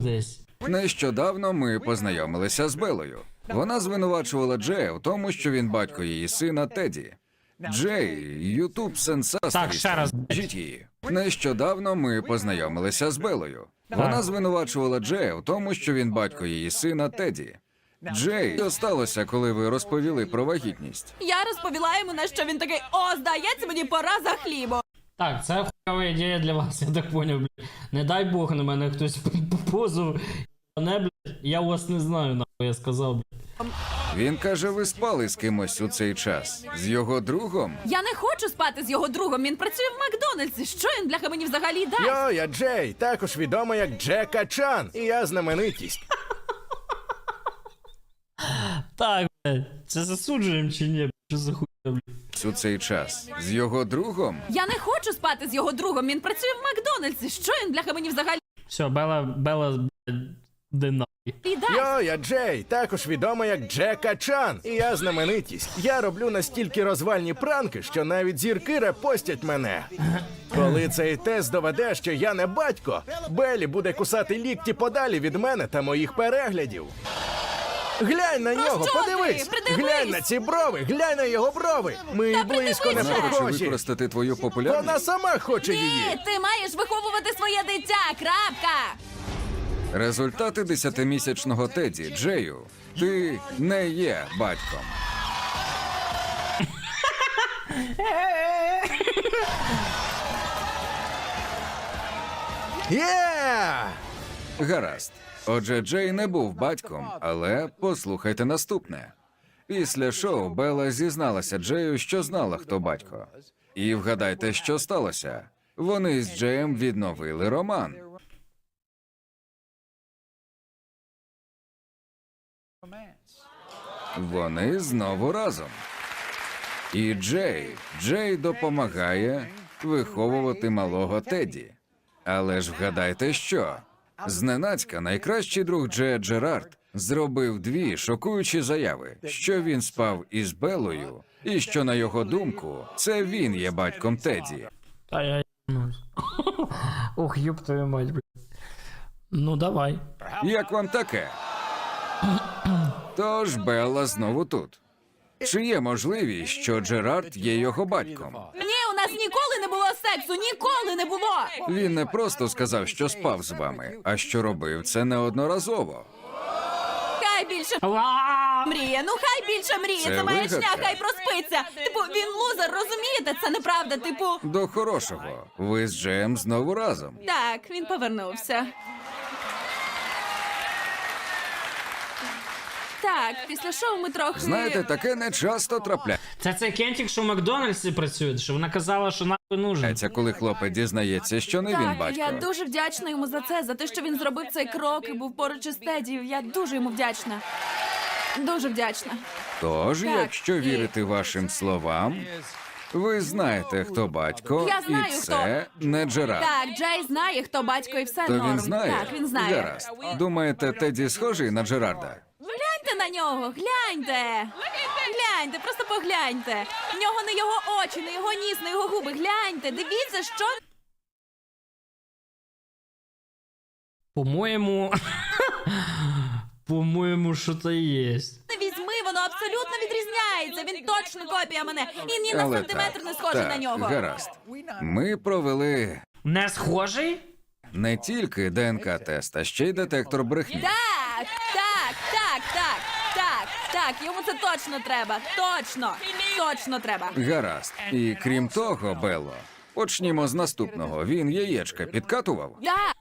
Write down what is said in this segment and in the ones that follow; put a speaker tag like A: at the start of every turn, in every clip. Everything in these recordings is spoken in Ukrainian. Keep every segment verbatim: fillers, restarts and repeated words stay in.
A: десь.
B: Нещодавно ми познайомилися з Белою. Вона звинувачувала Джея в тому, що він батько її сина Теді. Джей, ютуб сенсація.
A: Так, ще раз.
B: Скажіть її. Нещодавно ми познайомилися з Белою. Вона звинувачувала Джея в тому, що він батько її сина Теді. Джей, що сталося, коли ви розповіли про вагітність?
C: Я розповіла йому, на що він такий: о, здається, мені пора за хлібом.
A: Так, це хуйова ідея для вас, я так поняв, блядь. Не дай Бог на мене хтось позов. Не, блядь, я вас не знаю, нахуй я сказав, блядь.
B: Він каже, ви спали з кимось у цей час. З його другом?
C: Я не хочу спати з його другом, він працює в Макдональдсі. Що він, бляха, мені взагалі дасть?
D: Йо, я Джей, також відомий як Джека Чан, і я знаменитість.
A: Так, блядь, це засуджуємо чи ні, блядь? Що за хуйня, блядь?
B: У цей час. З його другом?
C: Я не хочу спати з його другом, він працює в Макдональдсі. Що він, бляха, мені взагалі
A: Все, Бела, Бела, блядь, де нахуй.
C: дасть?
D: Йо, я Джей, також відомий як Джека Чан, і я знаменитість. Я роблю настільки розвальні пранки, що навіть зірки репостять мене. Коли цей тест доведе, що я не батько, Белі буде кусати лікті подалі від мене та моїх переглядів. Глянь на нього,
C: що ти?
D: подивись!
C: Придивись!
D: Глянь на ці брови, глянь на його брови! Ми й близько не
B: Вона хоче
D: похожі.
B: використати твою популярність?
D: Вона сама хоче її.
C: Ні, ти маєш виховувати своє дитя, крапка!
B: Результати десятимісячного Теді, Джею. Ти не є батьком.
D: Є!
B: Гаразд. Отже, Джей не був батьком, але послухайте наступне. Після шоу Бела зізналася Джею, що знала, хто батько. І вгадайте, що сталося. Вони з Джеєм відновили роман. Вони знову разом. І Джей, Джей допомагає виховувати малого Теді. Але ж вгадайте що? Зненацька найкращий друг Джея Джерард зробив дві шокуючі заяви, що він спав із Белою, і що, на його думку, це він є батьком Теді.
A: Та я ебнусь. Ох, ёб твою мать, блядь. Ну, давай.
B: Як вам таке? Тож Белла знову тут. Чи є можливість, що Джерард є його батьком?
C: Ні, у нас ніколи не було сексу, ніколи не було!
B: Він не просто сказав, що спав з вами, а що робив це неодноразово.
C: Хай більше
A: Ла!
C: мріє, ну хай більше мріє,
B: Це
C: це маячня,
B: вигадка.
C: хай проспиться. Типу, він лузер, розумієте? Це неправда, типу.
B: До хорошого. Ви з Джеєм знову разом.
C: Так, він повернувся. Так, після шоу ми трохи...
B: Знаєте, таке не часто трапляється,
A: Це цей кентик, що в Макдональдсі працює, що вона казала, що нахуй нужен.
B: коли хлопець дізнається, що не він
C: Так,
B: батько.
C: я дуже вдячна йому за це, за те, що він зробив цей крок і був поруч із Теді. Я дуже йому вдячна. Дуже вдячна.
B: Тож,
C: Так,
B: якщо
C: і-
B: вірити вашим словам, ви знаєте, хто батько,
C: Я знаю,
B: і це не Джерард.
C: Так, Джей знає, хто батько і все
B: То
C: норм.
B: він знає?
C: Так, він знає.
B: Гаразд. Думаєте, Теді схожий на Джерарда?
C: Гляньте на нього, гляньте! Гляньте, просто погляньте. В нього не його очі, не його ніс, не його губи. Гляньте, дивіться, що...
A: По-моєму... По-моєму, що то є.
C: Не візьми, воно абсолютно відрізняється. Він точно копія мене. І ні на
B: Але
C: сантиметр
B: так,
C: не схожий
B: так,
C: на нього.
B: гаразд. Ми провели
A: Не схожий?
B: не тільки ДНК-тест, а ще й детектор брехні.
C: Так, так, так, так, так, так, йому це точно треба. Точно, точно треба.
B: Гаразд. І крім того, Белло, почнімо з наступного. Він яєчка підкатував?
C: Так.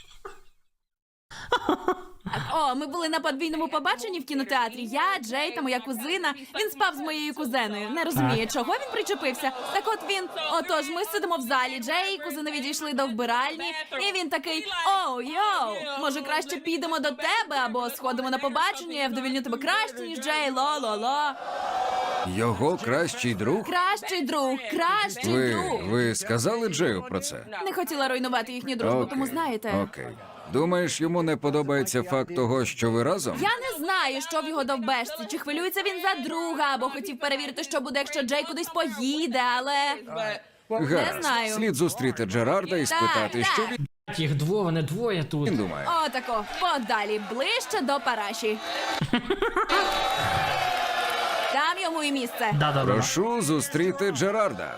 C: Так, о, ми були на подвійному побаченні в кінотеатрі. Я, Джей та моя кузина. Він спав з моєю кузеною. Не розуміє, чого він причепився. Так от він, отож, ми сидимо в залі. Джей і кузина відійшли до вбиральні. І він такий: оу, йоу, може краще підемо до тебе або сходимо на побачення, я вдовільню тебе краще, ніж Джей, ло-ло-ло.
B: Його кращий друг?
C: Кращий друг, кращий
B: Ви,
C: друг.
B: ви сказали Джею про це?
C: Не хотіла руйнувати їхню дружбу, тому
B: Окей,
C: знаєте.
B: Окей. Думаєш, йому не подобається факт того, що ви разом?
C: Я не знаю, що в його довбешці, чи хвилюється він за друга, або хотів перевірити, що буде, якщо Джей кудись поїде, але...
B: Гаразд.
C: знаю.
B: Слід зустріти Джерарда і спитати,
C: так.
B: що він...
A: Їх двоє, вони двоє тут.
B: Він думає.
C: Отако, подалі, ближче до параші. Там йому і місце.
A: Да-да-да.
B: Прошу зустріти Джерарда.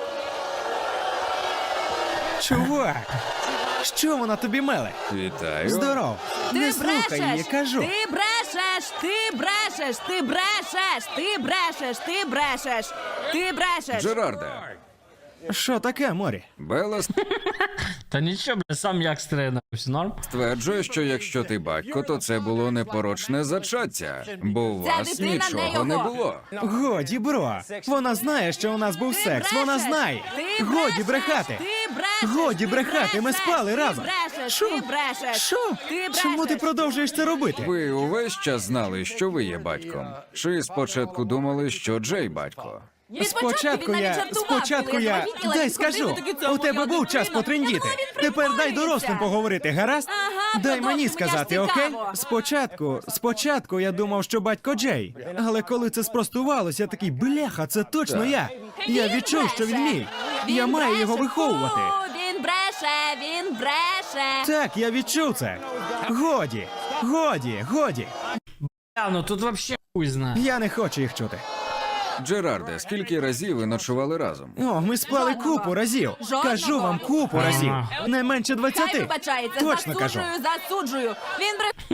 E: Чувак, що вона тобі меле?
B: Вітаю.
E: Здоров.
C: Ти
E: Не слухай
C: брешеш,
E: її, кажу.
C: ти брешеш, ти брешеш, ти брешеш, ти брешеш, ти брешеш, ти брешеш.
B: Джерарде.
E: Що таке, Морі?
B: Белла
A: Та нічого, бля, сам як стригнувся, норм?
B: стверджує, що якщо ти батько, то це було непорочне зачаття, бо у
C: Ця
B: вас
C: дитина не
B: нічого не
C: його.
B: було.
E: Годі, бро. Вона знає, що у нас був
C: Ти
E: секс.
C: брешеш,
E: Вона знає.
C: ти
E: Годі
C: брешеш,
E: брехати.
C: Ти брешеш,
E: Годі
C: ти
E: брехати, ми
C: брешеш,
E: спали
C: ти
E: разом.
C: Брешеш,
E: Що?
C: Ти брешеш.
E: Що?
C: Ти
E: Чому ти
C: брешеш.
E: продовжуєш це робити?
B: Ви увесь час знали, що ви є батьком? Чи спочатку думали, що Джей батько?
C: Від
E: Спочатку
C: він навіть
E: я,
C: жартував,
E: спочатку
C: коли
E: я,
C: завагітніла,
E: дай
C: він
E: скажу,
C: ходив і такий, «Це
E: у тебе
C: моя
E: був час
C: дитина».
E: потрендіти.
C: Я думала, він
E: Тепер дай
C: приколюється.
E: дорослим поговорити, гаразд?
C: Ага,
E: Дай
C: продовжуй,
E: мені
C: мені
E: сказати,
C: ж
E: окей?
C: цікаво.
E: Спочатку, спочатку я думав, що батько Джей. Але коли це спростувалося, я такий, бляха, це точно я. Я
C: Він
E: відчув, що він
C: бреше.
E: мій.
C: Він
E: Я маю його
C: бреше.
E: виховувати.
C: Фу, Він бреше, він бреше.
E: Так, я відчув це. Годі, годі, годі.
A: А, ну тут вообще хуй знає.
E: Я не хочу їх чути.
B: Джерарде, скільки разів ви ночували разом?
E: О, ми спали
C: Жодного.
E: купу разів.
C: Жодного.
E: Кажу вам купу
A: Ага.
E: разів. Не менше
C: Хай
E: двадцяти.
C: вибачається,
E: Точно кажу.
C: засуджую, засуджую. Він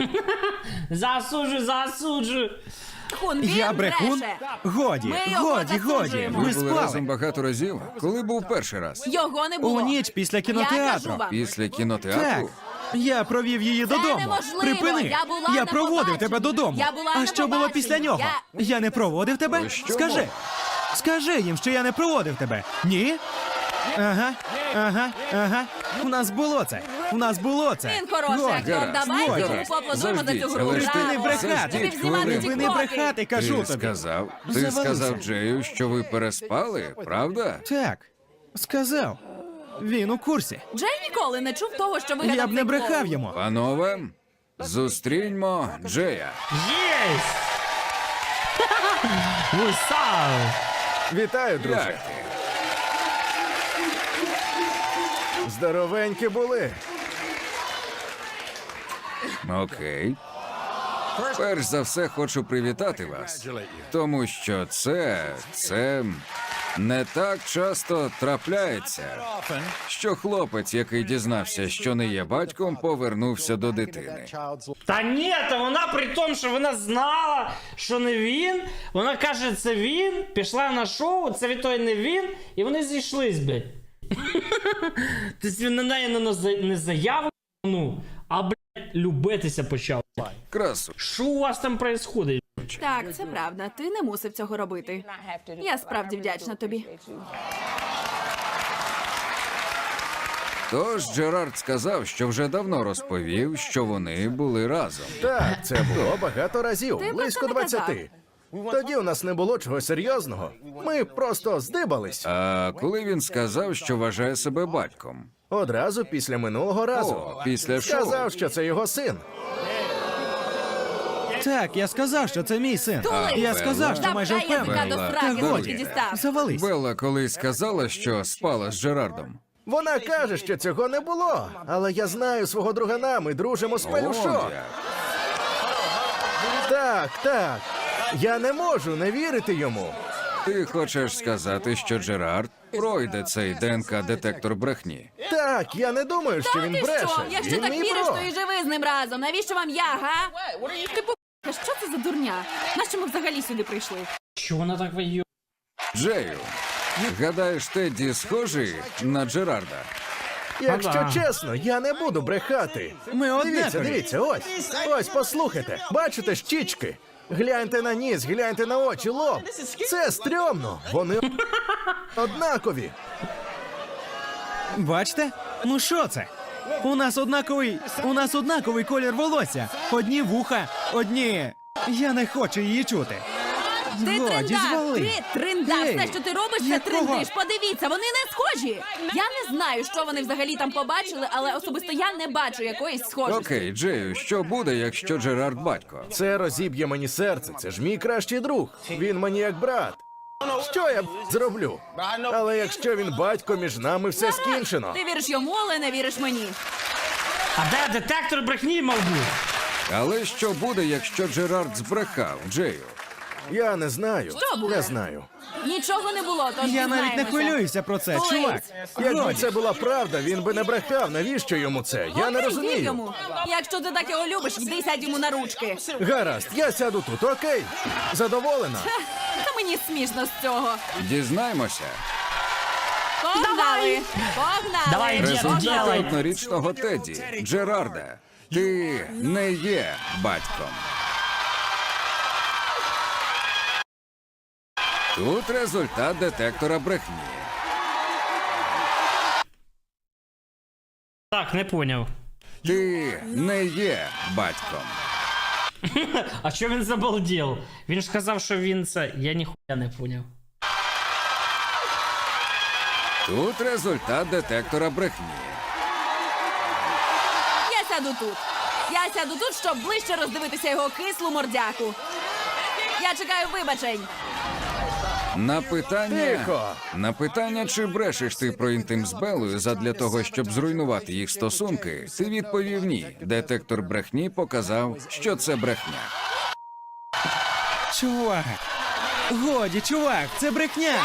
A: Засуджу, засуджу.
C: брехун, він
E: Я брехун?
C: бреше.
E: Годі,
C: Ми його
E: годі, годі.
C: засуджуємо.
E: Ми
B: Ви були
E: спали.
B: разом багато разів? Коли був перший раз?
C: Його не було.
E: У ніч після
C: Я
E: кінотеатру.
C: кажу вам.
B: Після
E: Так.
B: кінотеатру?
E: Я провів її додому.
C: неможливо.
E: Припини.
C: Я була
E: Я
C: на
E: проводив
C: побаченні.
E: тебе додому.
C: Я була
E: а
C: на
E: що було
C: побаченні.
E: після нього?
C: Я-
E: Я не проводив тебе?
B: Ви що,
E: Скажи.
B: Мо?
E: Скажи їм, що я не проводив тебе. Ні? Ага, ага, ага. У нас було це. У нас було це.
C: Він хороший
E: Годі.
C: актор.
B: Гаразд,
C: Давайте
E: годі.
C: йому поаплодуємо за цю
B: Заждіть,
C: гру.
B: але ж ти
C: Браво.
E: не брехати.
C: Тобі
B: Заждіть
C: знімати
B: хвилинку.
E: Ви не
C: тіктоки.
E: брехати, кажу
B: Ти
E: тобі.
B: сказав, ти
E: Завалився.
B: сказав Джею, що ви переспали, правда?
E: Так, сказав. Він у курсі.
C: Джей ніколи не чув того, що вигадав
E: Я б не
C: цей
E: брехав
C: клоун.
E: йому.
B: Панове, зустріньмо Джея.
A: Єсть! Вусав!
D: Вітаю, друже.
B: Як ти?
D: Здоровенькі були.
B: Окей. Перш за все хочу привітати вас, тому що це, це не так часто трапляється, що хлопець, який дізнався, що не є батьком, повернувся до дитини.
A: Та ні, та вона при тому, що вона знала, що не він. Вона каже, це він, пішла на шоу, це від той не він, і вони зійшлись, блядь. Тобто він на неї не, за- не заяву, ну, а, блядь, любитися почав.
B: Красу.
A: Що у вас там происходить?
C: Так, це правда. Ти не мусив цього робити. Я справді вдячна тобі.
B: Тож Джерард сказав, що вже давно розповів, що вони були разом.
D: Так, це було багато разів,
C: Ти про
D: близько
C: це не казав.
D: двадцяти. Тоді у нас не було чого серйозного. Ми просто здибались.
B: А коли він сказав, що вважає себе батьком?
D: Одразу після минулого разу.
B: О, після шоу.
D: Сказав, що це його син.
E: Так, я сказав, що це мій син.
C: Тули!
E: Я сказав, що майже
C: Запхай язика
E: впевнений.
C: до
B: Белла,
C: сраки,
E: Та
C: звідки
E: годі.
C: дістав.
E: Завались.
B: Белла колись сказала, що спала з Джерардом.
D: Вона каже, що цього не було. Але я знаю свого другана, ми дружимо з
B: О,
D: пелюшок.
B: як.
D: Так, так. Я не можу не вірити йому.
B: Ти хочеш сказати, що Джерард пройде цей ДНК-детектор брехні?
D: Так, я не думаю, що
C: Та
D: він
C: ти
D: бреше.
C: що? Якщо
D: Він
C: так
D: мій
C: віриш,
D: бро.
C: то і живи з ним разом. Навіщо вам я, га? Ти по... Що це за дурня? Нащо ми взагалі сюди прийшли?
A: Чого вона так виє?
B: Джею, гадаєш, Тедді схожий на Джерарда?
D: Якщо
A: Ага.
D: чесно, я не буду брехати.
E: Ми
D: Дивіться,
E: однакові.
D: дивіться, ось. Ось, послухайте. Бачите щічки? Гляньте на ніс, гляньте на очі, лоб. Це стрьомно. Вони однакові.
E: Бачите? Ну що це? У нас однаковий. У нас однаковий колір волосся. Одні вуха, одні. Я не хочу її чути.
C: Ти
E: Годі,
C: триндак,
E: звали.
C: ти триндак.
E: Ей,
C: Все, що ти робиш, це
E: якого?
C: триндиш. Подивіться, вони не схожі. Я не знаю, що вони взагалі там побачили, але особисто я не бачу якоїсь схожості.
B: Окей, Джею, що буде, якщо Джерард батько?
D: Це розіб'є мені серце. Це ж мій кращий друг. Він мені як брат. Що я б, зроблю? Але якщо він батько, між нами все скінчено.
C: Ти віриш йому, але не віриш мені.
A: А де детектор брехні мав бути?
B: Але що буде, якщо Джерард збрехав Джею?
D: Я не знаю.
C: Що буде?
D: Не знаю.
C: Нічого не було, тож
E: Я навіть не
C: дізнаємося.
E: хвилююся про це,
C: Колись.
E: чувак.
D: Якби
E: Годі.
D: це була правда, він би не брехав. Навіщо йому це? Я не
C: Окей, вір
D: розумію.
C: йому. Якщо ти так його любиш, йди сядь йому на ручки.
D: Гаразд, я сяду тут, окей? Задоволена?
C: Та мені смішно з цього.
B: Дізнаймося.
C: Погнали! Погнали!
A: Давай, дід,
C: Погнали!
B: Результати
A: Давай.
B: однорічного Теді. Джерарда, ти не є батьком. Тут результат детектора брехні.
A: Так, не поняв.
B: Ти не є батьком.
A: А що він забалдів? Він ж казав, що він це. Я ніхуя не поняв.
B: Тут результат детектора брехні.
C: Я сяду тут. Я сяду тут, щоб ближче роздивитися його кислу мордяку. Я чекаю вибачень.
B: На питання,
D: Тихо.
B: на питання, чи брешеш ти про інтим з Белою задля того, щоб зруйнувати їх стосунки, ти відповів ні. Детектор брехні показав, що це брехня.
E: Чувак. Годі, чувак, це брехня.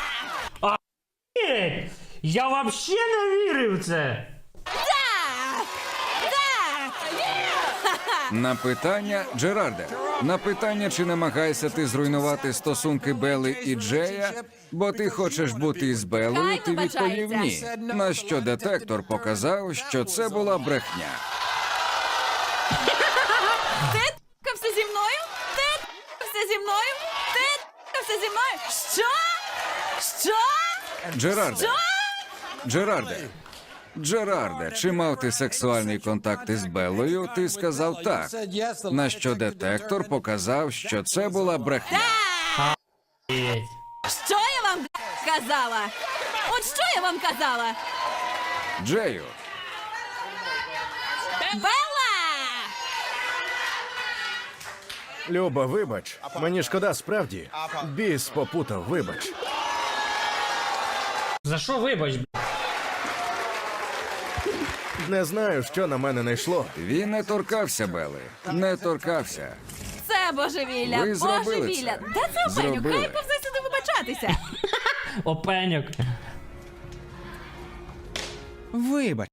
A: Ей, я вообще не вірив в це.
C: Так! Так!
B: На питання Джерарде. На питання, чи намагаєшся ти зруйнувати стосунки Бели і Джея, бо ти хочеш бути із Белою,
C: Хай
B: ти відповів ні. На що детектор показав, що це була брехня.
C: Ти ткався зі мною? Ти ткався зі мною? Ти ткався зі мною? Що? Що?
B: Джерарде.
C: Що?
B: Джерарде. Джерарде, чи мав ти сексуальний контакт із Белою? Ти сказав так. На що детектор показав, що це була брехня.
A: Ей.
C: Що я вам казала? От що я вам казала?
B: Джею,
C: Белла!
D: Люба, вибач. Мені шкода справді. Біс попутав, вибач.
A: За що вибач, б***?
D: Не знаю, що на мене найшло.
B: він не торкався Бели. Не торкався.
C: Це божевілля,
B: Ви зробили
C: божевілля.
B: це.
C: Де це Опенюк?
B: Зробили.
C: Хай повзе сюди вибачатися.
A: Опеньок.
E: Вибач.